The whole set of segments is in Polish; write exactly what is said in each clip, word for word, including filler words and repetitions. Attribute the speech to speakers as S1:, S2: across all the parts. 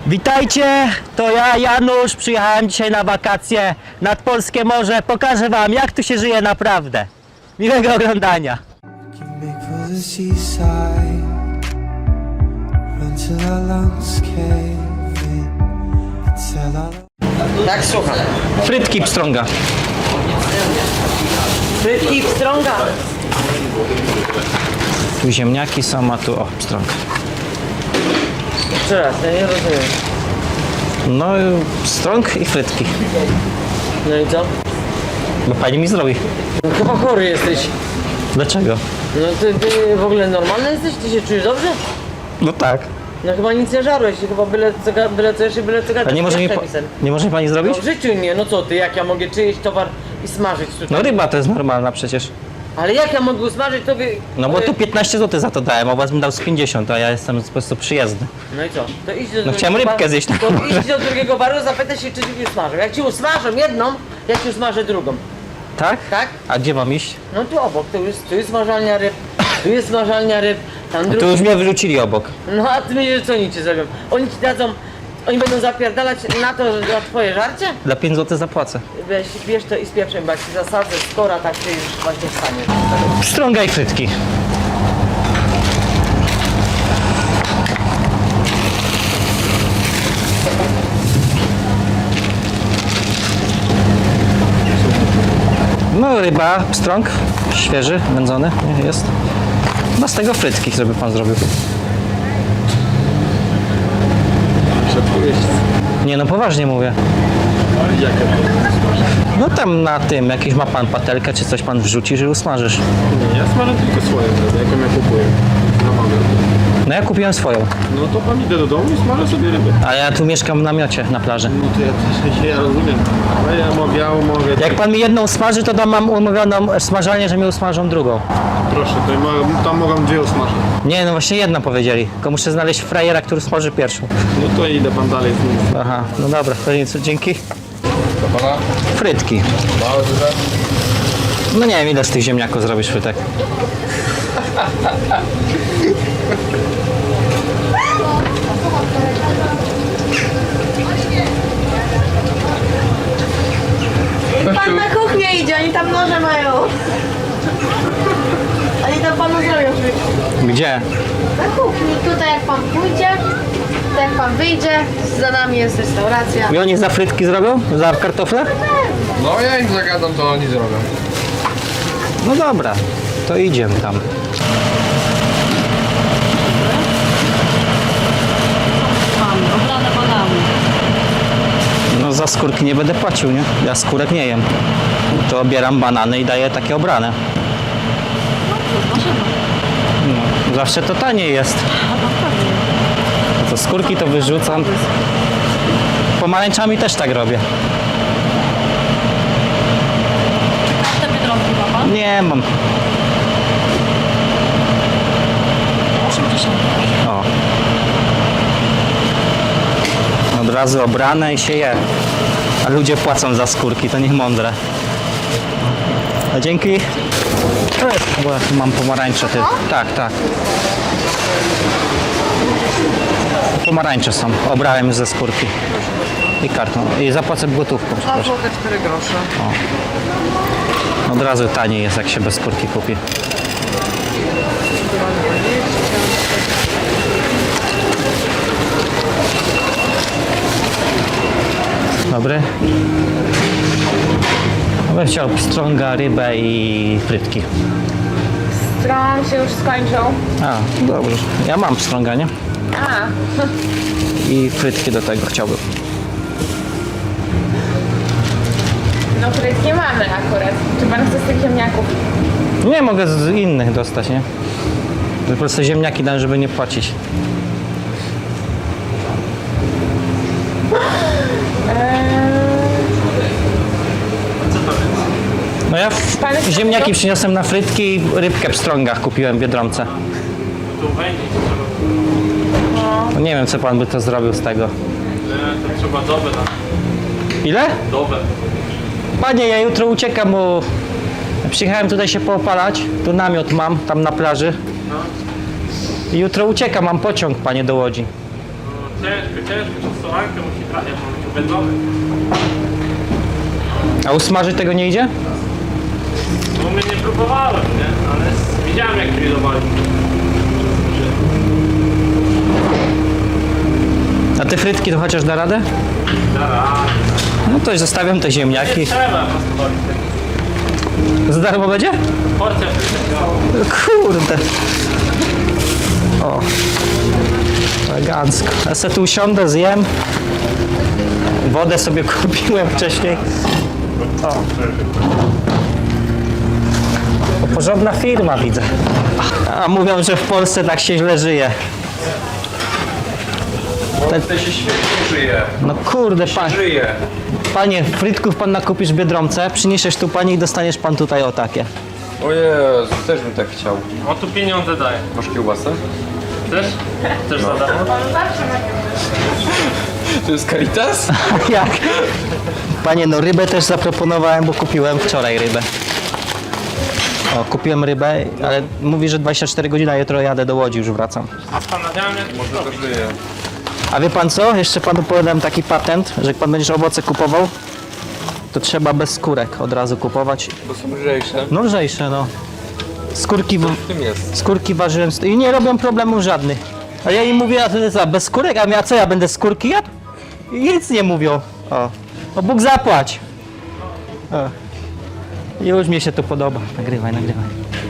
S1: Witajcie, to ja, Janusz, przyjechałem dzisiaj na wakacje nad Polskie Morze. Pokażę wam, jak tu się żyje naprawdę. Miłego oglądania.
S2: Tak, słucham.
S1: Frytki pstrąga.
S2: Frytki pstrąga.
S1: Tu ziemniaki są, a tu o, pstrąg.
S2: Jeszcze raz, ja nie rozumiem.
S1: No, pstrąg i frytki.
S2: No i co?
S1: Bo pani mi zrobi.
S2: No chyba chory jesteś.
S1: Dlaczego?
S2: No ty, ty w ogóle normalny jesteś? Ty się czujesz dobrze?
S1: No tak.
S2: No chyba nic nie żarłeś, chyba byle co, ga- byle co jeszcze, byle co
S1: A
S2: gadać.
S1: nie może, mi, po, nie może mi pani zrobić?
S2: No w życiu nie, no co ty, jak ja mogę czyjeś towar i smażyć tutaj?
S1: No ryba to jest normalna przecież.
S2: Ale jak ja mogę usmażyć tobie?
S1: No bo tu piętnaście złotych za to dałem, a was bym dał z pięćdziesiąt, a ja jestem po prostu przyjezdny.
S2: No i co? To idź do
S1: No chciałem
S2: drugiego
S1: rybkę
S2: baru-
S1: zjeść na
S2: To
S1: morze.
S2: idź do drugiego baru, zapytaj się, czy ci usmażą. Jak ci usmażą jedną, ja ci usmażę drugą.
S1: Tak?
S2: Tak?
S1: A gdzie mam iść?
S2: No tu obok, tu jest, tu jest smażalnia ryb, tu jest smażalnia ryb, tam
S1: Tu
S2: drugi...
S1: już mnie wyrzucili obok.
S2: No a ty myślisz, co oni ci zrobią? Oni ci dadzą, oni będą zapierdalać na to, że za twoje żarcie?
S1: Dla pięć złotych zapłacę.
S2: Weź, bierz to i spieprzaj, bo jak ci zasadzę skora, tak ty już właśnie stanie.
S1: Pstrąga i frytki. No ryba, pstrąg, świeży, wędzony jest. No z tego frytki, żeby pan zrobił. Nie no, poważnie mówię.
S3: Jakie to?
S1: No tam na tym, jakiś ma pan patelkę, czy coś pan wrzucisz i usmażysz.
S3: Nie, ja smażę tylko swoją rybę, jaką ja kupuję. Na magę.
S1: No ja kupiłem swoją,
S3: No to pan idę do domu i smażę sobie rybę.
S1: a ja tu mieszkam w namiocie na plaży.
S3: No to ja też ja rozumiem. Ale ja mogę, ja mogę.
S1: Jak pan mi jedną smaży, to tam mam umówioną smażalnię, że mi usmażą drugą.
S3: Proszę, to ja mogę, tam mogą dwie usmażyć.
S1: Nie, no właśnie jedną powiedzieli. Tylko muszę znaleźć frajera, który smaży pierwszą.
S3: No to idę pan dalej z nim.
S1: Aha, no dobra, to nic, dzięki.
S3: Do pana?
S1: Frytki.
S3: Małe duże?
S1: No nie wiem, ile z tych ziemniaków zrobisz frytek.
S4: Pan na kuchnię idzie, oni tam noże mają. Oni tam panu zrobią frytki.
S1: Gdzie?
S4: Na kuchni, tutaj jak pan pójdzie, to jak pan wyjdzie, za nami jest restauracja.
S1: I oni za frytki zrobią? Za kartofle?
S3: No ja im zagadam, to oni zrobią.
S1: No dobra, to idziemy tam.
S4: Obrane banany.
S1: No za skórki nie będę płacił, nie? Ja skórek nie jem. To obieram banany i daję takie obrane. No, zawsze to taniej jest. To skórki to wyrzucam. Pomarańczami też tak robię.
S4: Te biedronki ma pan?
S1: Nie mam.
S4: osiemdziesiąt.
S1: O. Od razu obrane i się je. A ludzie płacą za skórki, to niech mądre. No dzięki. E, Bo ja tu mam pomarańcze. Ty. Tak, tak. Pomarańcze są. Obrałem już ze skórki. I kartą. I zapłacę gotówką. przepraszam.
S2: złote cztery grosze.
S1: Od razu taniej jest, jak się bez skórki kupi. Dobry. Ja bym chciał pstrąga, rybę i frytki.
S4: Stron się już skończył.
S1: A, dobrze. Ja mam pstrąga, nie?
S4: A,
S1: I frytki do tego chciałbym.
S4: no frytki mamy akurat. Czy pan chce z tych ziemniaków?
S1: Nie, mogę z innych dostać, nie? Po prostu ziemniaki dam, żeby nie płacić. No ja w, ziemniaki przyniosłem na frytki i rybkę w pstrągach kupiłem w Biedronce. No nie wiem, co pan by to zrobił z tego.
S3: To trzeba dobę na
S1: Ile?
S3: dobę.
S1: Panie, ja jutro uciekam, bo przyjechałem tutaj się poopalać. Tu namiot mam, tam na plaży. I jutro uciekam, mam pociąg, panie, do Łodzi.
S3: Ciężko, ciężko, czasowankę musi brać, ja mam wędzony.
S1: A usmażyć tego nie idzie?
S3: No mnie nie próbowałem, nie? Ale widziałem jak grillowali.
S1: A te frytki to chociaż da radę?
S3: Zaraz.
S1: No to zostawiam te ziemniaki.
S3: Trzeba pospolić.
S1: Za darmo będzie?
S3: Porcja frytek.
S1: Kurde. O. Elegancko. Ja se tu usiądę, zjem. Wodę sobie kupiłem wcześniej. O. To porządna firma, widzę. A mówią, że w Polsce tak się źle żyje. Te-
S5: To się świetnie żyje.
S1: No kurde, pa,
S5: Żyje.
S1: panie, frytków pan nakupisz w Biedronce, przyniesiesz tu pani i dostaniesz pan tutaj o takie.
S5: O Jezu, też bym tak chciał.
S3: On tu pieniądze daje.
S5: Masz kiełbasę?
S3: Chcesz? Chcesz za darmo?
S5: To jest Caritas?
S1: Jak? Panie, no rybę też zaproponowałem, bo kupiłem wczoraj rybę. O, kupiłem rybę, ale mówi, że dwadzieścia cztery godziny, a jutro jadę do Łodzi, już wracam.
S3: Zastanawiałem jak
S5: Może to żyje.
S1: A wie pan co? Jeszcze panu powiem taki patent, że jak pan będziesz owoce kupował, to trzeba bez skórek od razu kupować.
S5: Bo są lżejsze.
S1: No lżejsze, no. Skórki, w...
S5: W tym jest.
S1: skórki ważyłem i nie robią problemów żadnych. A ja im mówię, a ty co, bez skórek? A ja co, ja będę skórki jadł? I nic nie mówią. O, o Bóg zapłać. O. Już mi się to podoba. Nagrywaj, nagrywaj.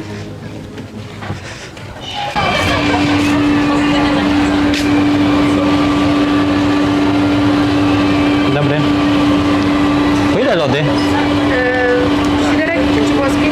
S1: Dobry. Po ile lody?
S4: Świderek czy włoskie?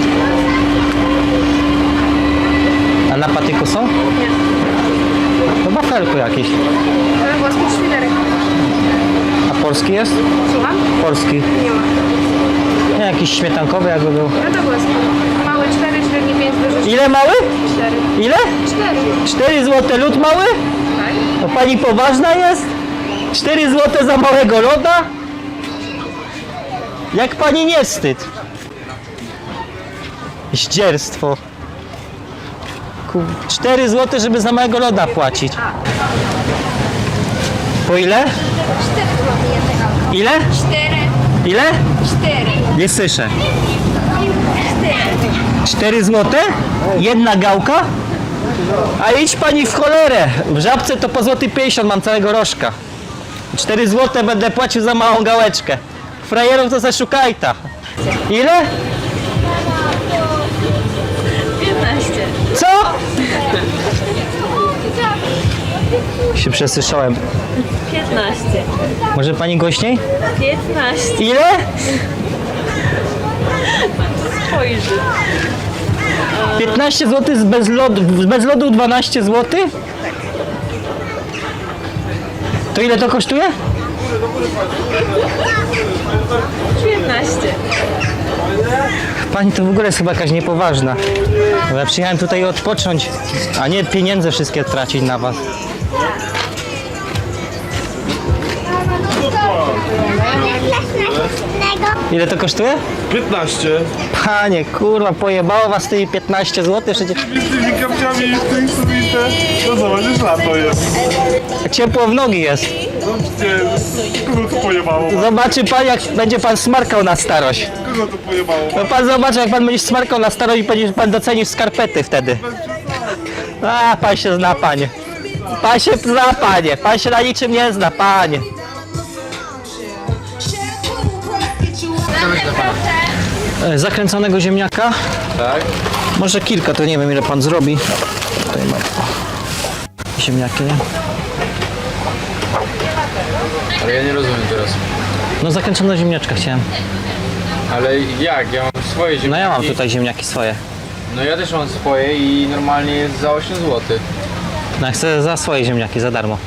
S1: A na patyku są?
S4: Nie.
S1: To wafelku jakieś.
S4: Ale włoskie czy świderek?
S1: A polski jest?
S4: Słucham?
S1: Polski.
S4: Nie ma.
S1: Nie, jakiś śmietankowy jakby był.
S4: No to włoskie. Mały cztery, średni pięć, duży
S1: Ile mały?
S4: cztery.
S1: Ile?
S4: cztery.
S1: cztery złote lód mały?
S4: Tak?
S1: To pani poważna jest? cztery złote za małego loda? Jak pani nie wstyd? Zdzierstwo. Ku- cztery złote, żeby za małego loda płacić. Po ile?
S6: cztery złote jednego.
S1: Ile?
S6: cztery,
S1: Ile?
S6: cztery,
S1: Nie słyszę.
S6: cztery.
S1: cztery złote? Jedna gałka? A idź pani w cholerę. W Żabce to po złoty pięćdziesiąt mam całego rożka. cztery złote będę płacił za małą gałeczkę. Frajerów to zaszukaj ta. Ile?
S6: piętnaście.
S1: Co? Się przesłyszałem.
S6: piętnaście.
S1: Może pani głośniej?
S6: piętnaście.
S1: Ile?
S6: Spojrzy.
S1: piętnaście złotych z bez lodu, bez lodu dwanaście złotych? To ile to kosztuje?
S6: piętnaście.
S1: Pani to w ogóle jest chyba jakaś niepoważna. Bo ja przyjechałem tutaj odpocząć, a nie pieniądze wszystkie tracić na was. Ile to kosztuje?
S7: piętnaście.
S1: Panie, kurwa, pojebało was tymi piętnaście złotych przecież.
S7: Z tymi kapciami i z tym subite. No zobaczysz, lato jest.
S1: Ciepło w nogi jest.
S7: No przecież, kogo to pojebało?
S1: Zobaczy pan, jak będzie pan smarkał na starość.
S7: Kogo to pojebało?
S1: No pan zobaczy, jak pan będzie smarkał na starość i będzie pan docenił skarpety wtedy. A, pan się zna, panie. Pan się zna, panie. Pan się na niczym nie zna, panie. E, Zakręconego ziemniaka.
S5: Tak?
S1: Może kilka, to nie wiem ile pan zrobi. Tutaj mam ziemniaki.
S5: Ale ja nie rozumiem teraz.
S1: No zakręcone ziemniaczka chciałem.
S5: Ale jak? Ja mam swoje ziemniaki.
S1: No ja mam tutaj ziemniaki swoje.
S5: No ja też mam swoje i normalnie jest za osiem złotych.
S1: No ja chcę za swoje ziemniaki, za darmo.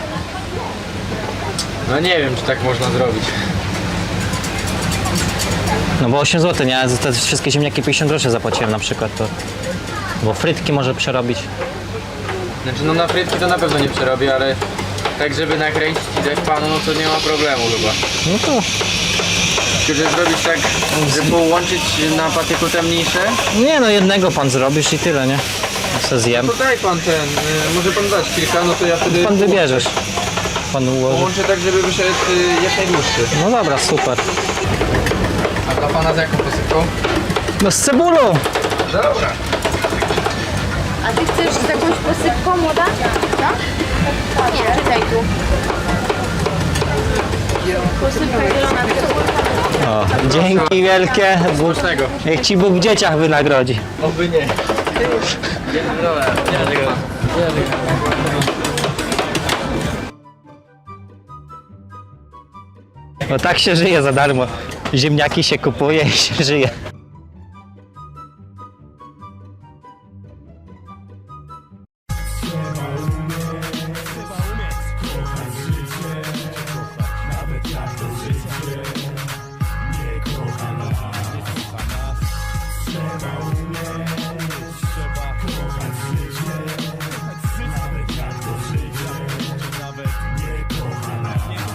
S5: No nie wiem, czy tak można zrobić.
S1: No bo osiem złotych, nie? Za te wszystkie ziemniaki pięćdziesiąt groszy zapłaciłem na przykład. To... Bo frytki może przerobić.
S5: Znaczy no na frytki to na pewno nie przerobię, ale tak żeby nakręcić i dać panu, no to nie ma problemu chyba.
S1: No to...
S5: Tylko że zrobić tak, żeby połączyć na patyku te mniejsze,
S1: Nie no, jednego pan zrobisz i tyle, nie? Ja se zjem.
S5: to daj pan ten, y, może pan dać kilka, no to ja wtedy...
S1: Pan wybierzesz. pan ułoży.
S5: Połączę tak, żeby wyszedł y, jak najdłuższy.
S1: No dobra, super.
S5: A dla pana z jaką posypką?
S1: No z cebulą.
S5: Dobra.
S4: A ty chcesz z jakąś posypką młoda? Co? Nie, czytaj tu. Posypka zielona.
S1: O, dzięki wielkie. Bóg,
S5: Smacznego.
S1: niech ci Bóg w dzieciach wynagrodzi.
S5: Oby nie. Dobra.
S1: No tak się żyje za darmo. Ziemniaki się kupuje i się żyje.